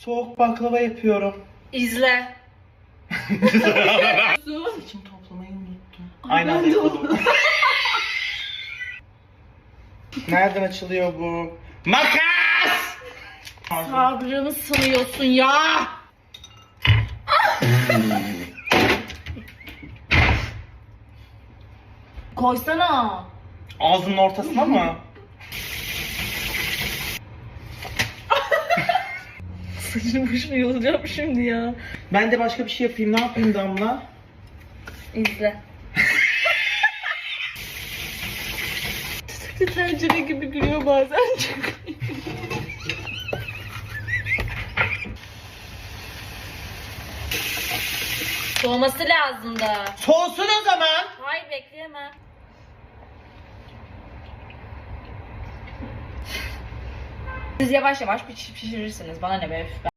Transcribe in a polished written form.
Soğuk baklava yapıyorum. İzle. Saçımı toplamayı unuttum. Aynı anda yapalım. Nereden açılıyor bu? Makas! Sabrını sınıyorsun ya. Koysana. Ağzının ortasına mı? Saçını başımı yolacağım şimdi ya. Ben de başka bir şey yapayım. Ne yapayım Damla? İzle. Tutuklu tencere gibi gülüyor bazen çok. Soğuması lazımdı. Soğusun o zaman. Hayır bekleyemem. Siz yavaş yavaş pişirirsiniz. Bana ne be.